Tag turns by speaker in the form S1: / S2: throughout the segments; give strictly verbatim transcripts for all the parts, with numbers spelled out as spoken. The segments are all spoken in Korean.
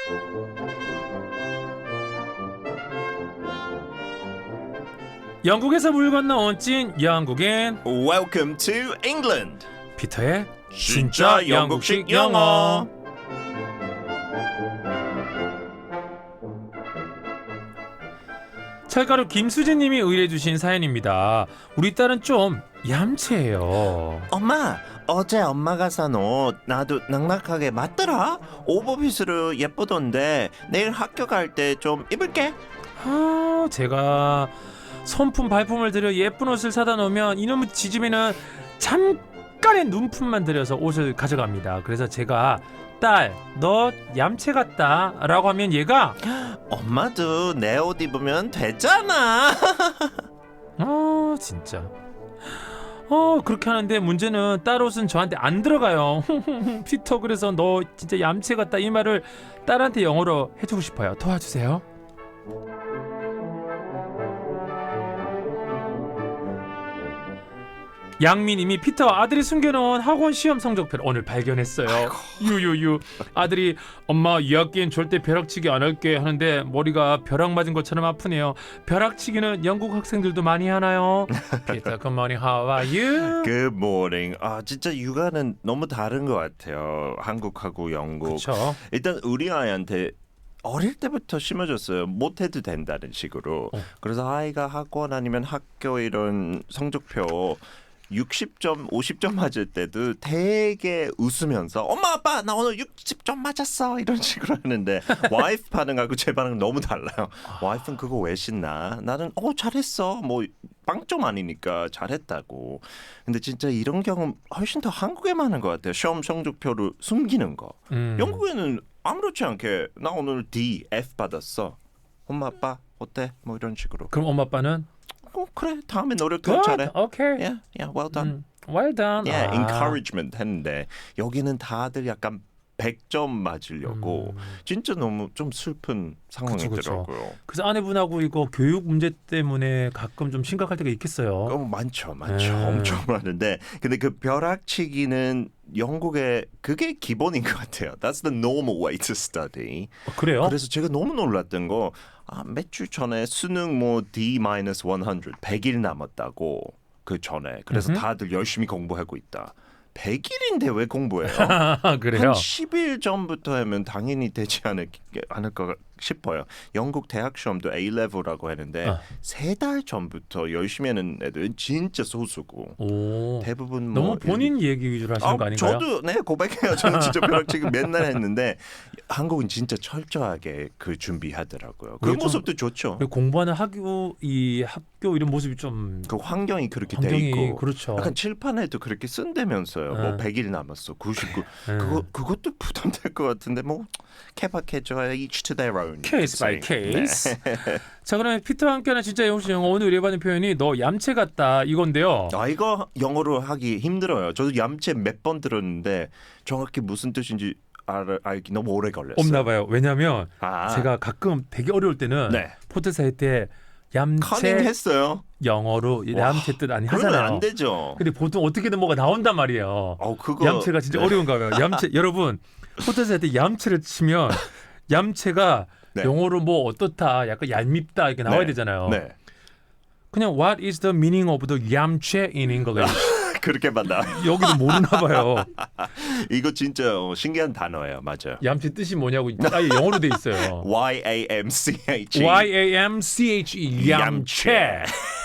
S1: 영국에서 물 건너온 찐 영국인
S2: Welcome to England.
S1: 피터의
S2: 진짜 영국식 영어.
S1: 철가루 김수진님이 의뢰주신 사연입니다. 우리 딸은 좀 얌체예요.
S2: 엄마, 어제 엄마가 산 옷 나도 낭낭하게 맞더라. 오버핏으로 예쁘던데 내일 학교 갈 때 좀 입을게.
S1: 아, 제가 손품 발품을 들여 예쁜 옷을 사다 놓으면 이놈의 지짐이는 잠깐의 눈품만 들여서 옷을 가져갑니다. 그래서 제가 딸, 너 얌체 같다 라고 하면 얘가
S2: 엄마도 내 옷 입으면 되잖아.
S1: 어 진짜 어 그렇게 하는데 문제는 딸 옷은 저한테 안 들어가요. 피터, 그래서 너 진짜 얌체 같다 이 말을 딸한테 영어로 해주고 싶어요. 도와주세요. 양미님이 피터, 아들이 숨겨놓은 학원 시험 성적표를 오늘 발견했어요. 아이고. 유유유. 아들이 엄마 이 학기엔 절대 벼락치기 안 할게 하는데 머리가 벼락 맞은 것처럼 아프네요. 벼락치기는 영국 학생들도 많이 하나요? 피터, good morning, how are you?
S2: Good morning. 아 진짜 육아는 너무 다른 것 같아요. 한국하고 영국.
S1: 그렇죠.
S2: 일단 우리 아이한테 어릴 때부터 심어줬어요. 못해도 된다는 식으로.
S1: 어.
S2: 그래서 아이가 학원 아니면 학교 이런 성적표 육십 점, 오십 점 맞을 때도 되게 웃으면서 엄마 아빠 나 오늘 육십 점 맞았어 이런 식으로 하는데 와이프 반응하고 제 반응은 너무 달라요. 와이프는 그거 왜 신나? 나는 어 잘했어. 뭐 빵점 아니니까 잘했다고. 근데 진짜 이런 경험 훨씬 더 한국에 많은 것 같아요. 시험 성적표를 숨기는 거.
S1: 음.
S2: 영국에는 아무렇지 않게 나 오늘 D, F 받았어. 엄마 아빠 어때? 뭐 이런 식으로.
S1: 그럼 엄마 아빠는
S2: 어, 그래 다음에 노력해
S1: good,
S2: 잘해.
S1: okay,
S2: Yeah, yeah, well done.
S1: 음, well done.
S2: Yeah,
S1: 아.
S2: encouragement 했는데 여기는 다들 약간 백 점 맞으려고
S1: 음.
S2: 진짜 너무 좀 슬픈 상황이더라고요.
S1: 그쵸, 그쵸. 그래서 아내분하고 이거 교육 문제 때문에 가끔 좀 심각할 때가 있겠어요.
S2: 어, 많죠, 많죠,
S1: 음.
S2: 엄청 많은데 근데 그 벼락치기는 영국의 그게 기본인 것 같아요. That's the normal way to study.
S1: 어, 그래요?
S2: 그래서 제가 너무 놀랐던 거 아, 몇 주 전에 수능 뭐 D 마이너스 백, 백 일 남았다고 그 전에 그래서
S1: 음흠.
S2: 다들 열심히 공부하고 있다. 백 일인데 왜 공부해요?
S1: 그래요?
S2: 한 십 일 전부터 하면 당연히 되지 않을, 않을까 싶어요. 영국 대학 시험도 A-레벨이라고 하는데
S1: 어.
S2: 세 달 전부터 열심히 하는 애들은 진짜 소수고
S1: 오.
S2: 대부분 뭐
S1: 너무 본인 얘기 위주로 하시는
S2: 아,
S1: 거 아닌가요?
S2: 저도 네 고백해요. 저는 진짜 벼락치기 맨날 했는데 한국은 진짜 철저하게 그 준비하더라고요. 그
S1: 그게 좀-
S2: 모습도 좋죠.
S1: 공부하는 학교 이 학교 이런 모습이 좀
S2: 그 환경이 그렇게
S1: 환경이
S2: 돼 있고
S1: 그렇죠.
S2: 약간 칠판에도 그렇게 쓴다면서요.
S1: 네.
S2: 뭐 백 일 남았어. 구십구.
S1: 네.
S2: 그거 그것도 부담될 것 같은데 뭐 케바케죠. Each to their own.
S1: 케이스 바이
S2: 네.
S1: 케이스. 자, 그러면 피터와 함께하는 진짜 영국식 영어 오늘 의뢰받은 표현이 너 얌체 같다 이건데요.
S2: 아 이거 영어로 하기 힘들어요. 저도 얌체 몇 번 들었는데 정확히 무슨 뜻인지 알, 알기 너무 오래 걸렸어요.
S1: 없나 봐요. 왜냐하면
S2: 아,
S1: 제가 가끔 되게 어려울 때는
S2: 네.
S1: 포트사 할 때 얌체
S2: 커닝했어요.
S1: 영어로
S2: 와,
S1: 얌체 뜻 아니
S2: 그러면
S1: 하잖아요.
S2: 안 되죠.
S1: 근데 보통 어떻게든 뭐가 나온단 말이에요.
S2: 어 그거
S1: 얌체가 진짜
S2: 네.
S1: 어려운가 봐요. 얌체 여러분 포트사 할 때 얌체를 치면 얌체가
S2: 네.
S1: 영어로 뭐 어떻다, 약간 얄밉다 이렇게 나와야
S2: 네.
S1: 되잖아요.
S2: 네.
S1: 그냥 What is the meaning of the 얌체 in English?
S2: 그렇게 만나.
S1: 여기도 모르나 봐요.
S2: 이거 진짜 어, 신기한 단어예요. 맞아요.
S1: 얌체 뜻이 뭐냐고 아예 영어로 돼 있어요.
S2: Y A M C H E.
S1: Y A M C H E 얌체.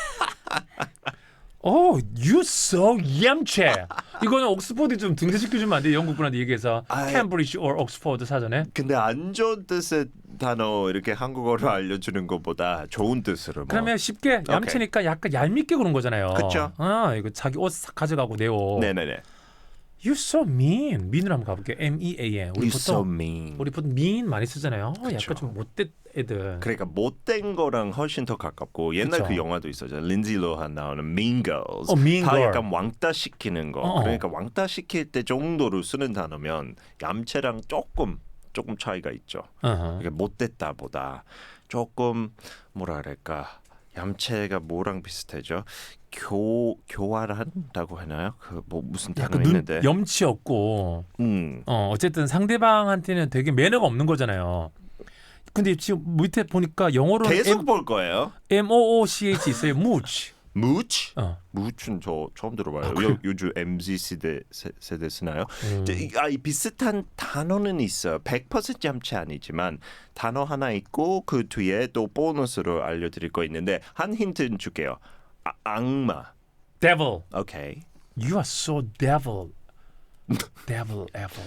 S1: Oh, you so 얌체. 이거는 옥스퍼드 좀 등재시켜주면 안 돼요? 영국 분한테 얘기해서
S2: 아,
S1: 캠브리지 or 옥스퍼드 사전에.
S2: 근데 안 좋은 뜻의 단어 이렇게 한국어로 알려주는 것보다 좋은 뜻으로 뭐.
S1: 그러면 쉽게 얌체니까 약간 얄밉게 그런 거잖아요.
S2: 그쵸.
S1: 아, 이거 자기 옷 싹 가져가고 내 옷.
S2: 네네네.
S1: You so mean. mean으로 한번 가볼게요. M E A N. 우리
S2: You
S1: 보통
S2: so mean.
S1: 우리 보통 mean 많이 쓰잖아요. 어,
S2: 그쵸.
S1: 약간 좀 못된 애들.
S2: 그러니까 못된 거랑 훨씬 더 가깝고 옛날
S1: 그쵸.
S2: 그 영화도 있었죠. 린지 로한 나오는 Mean Girls.
S1: 어, Mean
S2: 다
S1: Girl.
S2: 약간 왕따 시키는 거.
S1: 어.
S2: 그러니까 왕따 시킬 때 정도로 쓰는 단어면 얌체랑 조금 조금 차이가 있죠.
S1: 어허.
S2: 이게 못됐다보다 조금 뭐라 그럴까 얌체가 뭐랑 비슷하죠? 교 교화를 한다고 하나요? 그 뭐 무슨 단어
S1: 약간 눈
S2: 있는데.
S1: 염치 없고
S2: 음.
S1: 어 어쨌든 상대방한테는 되게 매너가 없는 거잖아요. 근데 지금 밑에 보니까 영어로는
S2: 계속
S1: M,
S2: 볼 거예요.
S1: M O O C H 있어요. 무치.
S2: 무치?
S1: 어.
S2: 무치는 저 처음 들어봐요.
S1: 아, 그래요?
S2: 요, 요즘 엠지 세대 세, 세대 쓰나요?
S1: 음.
S2: 저, 이- 아, 이 비슷한 단어는 있어요. 백 퍼센트 얌체 아니지만 단어 하나 있고 그 뒤에 또 보너스로 알려드릴 거 있는데 한 힌트는 줄게요. 아, 악마.
S1: devil.
S2: 오케이.
S1: You are so devil. devil, devil.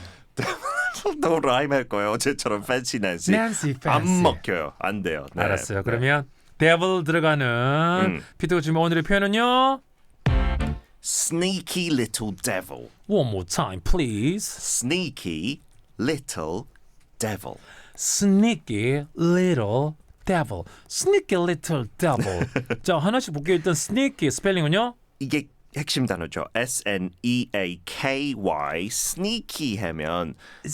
S2: 또 라임 할 거예요. 어제처럼 fancy nancy.
S1: Nancy
S2: 안
S1: fancy.
S2: 먹혀요. 안 돼요. 네.
S1: 알았어요.
S2: 네.
S1: 그러면 devil 들어가는
S2: 음.
S1: 피터가 주면 오늘의 표현은요.
S2: Sneaky little devil.
S1: One more time, please.
S2: Sneaky little devil.
S1: Sneaky little devil. Sneaky little devil. 자, 하나씩 볼게요. 일단 sneaky 스펠링은요?
S2: 이게 핵심 단어죠. S N E A K Y. sneaky 하면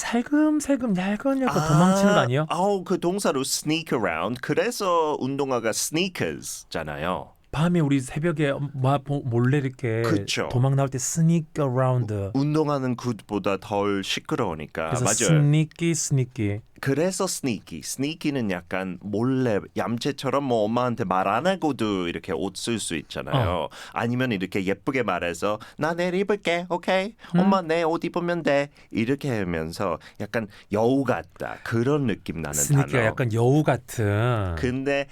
S1: 살금살금 얇은 약간 도망치는 거 아니에요?
S2: 아우 그 동사로 sneak around. 그래서 운동화가 sneakers잖아요.
S1: 밤에 우리 새벽에 마- 보- 몰래 이렇게
S2: 그쵸.
S1: 도망 나올 때 sneak around.
S2: 운동하는 굿보다 덜 시끄러우니까.
S1: 그래서
S2: 맞아요.
S1: sneaky sneaky.
S2: 그래서 sneaky. sneaky는 약간 몰래 얌체처럼 뭐 엄마한테 말 안 하고도 이렇게 옷 쓸 수 있잖아요. 아니면 이렇게 예쁘게 말해서 나 내일 입을게. 오케이. 엄마 내 옷 입으면 돼. 이렇게 하면서 약간 여우 같다. 그런 느낌 나는
S1: sneaky가
S2: 단어.
S1: 약간 여우 같은.
S2: 근데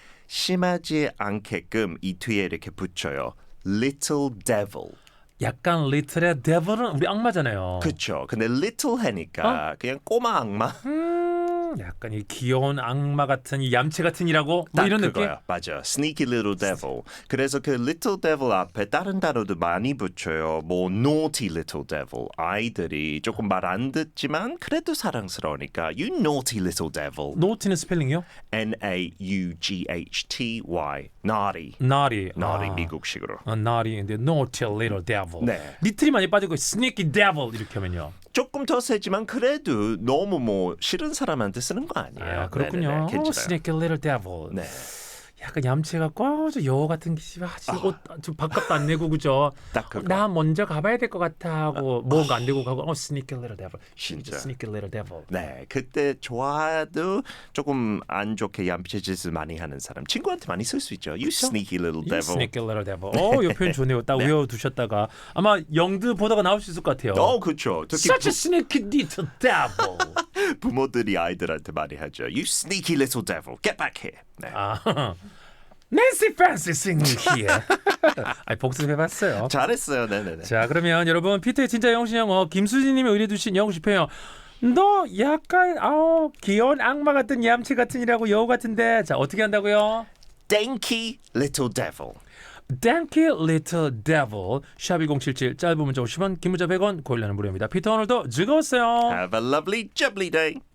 S2: 심하지 않게끔 이 뒤에 이렇게 붙여요. little devil.
S1: 약간 little의 devil은 우리 악마잖아요.
S2: 그렇죠. 근데 little 하니까 그냥 꼬마 악마.
S1: 음, 약간 이 귀여운 악마 같은 이 얌체 같은이라고 뭐
S2: 딱
S1: 이런 느낌?
S2: 그거야. 맞아. Sneaky little devil. 그래서 그 little devil 앞에 다른 단어도 많이 붙여요. 뭐 naughty little devil. 아이들이 조금 말 안 듣지만 그래도 사랑스러우니까 you naughty little devil.
S1: 노트는 스펠링이요?
S2: N A U G H T Y. naughty.
S1: naughty.
S2: naughty
S1: 아.
S2: 미국식으로.
S1: 아, naughty인데 naughty little devil.
S2: 네.
S1: 리틀이 많이 빠지고 sneaky devil 이렇게 하면요.
S2: 조금 더 세지만 그래도 너무 뭐 싫은 사람한테 쓰는 거 아니에요.
S1: 아, 그렇군요.
S2: 네네네,
S1: 어,
S2: 괜찮아요.
S1: sneaky little devil.
S2: 네.
S1: 약간 얌체 같고 어, 저 여우 같은 기집 아직 옷좀 밥값도 안 내고 그죠?
S2: 딱 그거.
S1: 나 먼저 가봐야 될 것 같아 하고 뭔가 안 되고 가고 어 sneaky little devil.
S2: 진짜.
S1: sneaky little devil.
S2: 네, 그때 좋아도 조금 안 좋게 얌체 짓을 많이 하는 사람 친구한테 많이 쓸 수 있죠. You sneaky little
S1: You
S2: devil.
S1: sneaky little devil. 어, 이 표현 좋네요. 딱 외워두셨다가 아마 영드 보다가 나올 수 있을 것 같아요.
S2: 어, 그렇죠. 특히
S1: Such a sneaky little devil.
S2: 부, 부모들이 아이들한테 많이 하죠. You sneaky little devil, get back here. 네.
S1: 아, Nancy Fancy singing here. 아, 복습해봤어요.
S2: 잘했어요. 네네네.
S1: 자, 그러면 여러분 피터의 진짜 영신 영어 김수진님이 의뢰주신 영어식 표현. 너 약간 아우 귀여운 악마 같은 얌체 같은이라고 여우 같은데 자 어떻게 한다고요?
S2: Danky little devil.
S1: Danky little devil 샵 일공칠칠 짧은 문자 오십 원 긴 문자 백 원 고일라는 무료입니다. 피터 오늘도 즐거웠어요.
S2: Have a lovely jubbly day.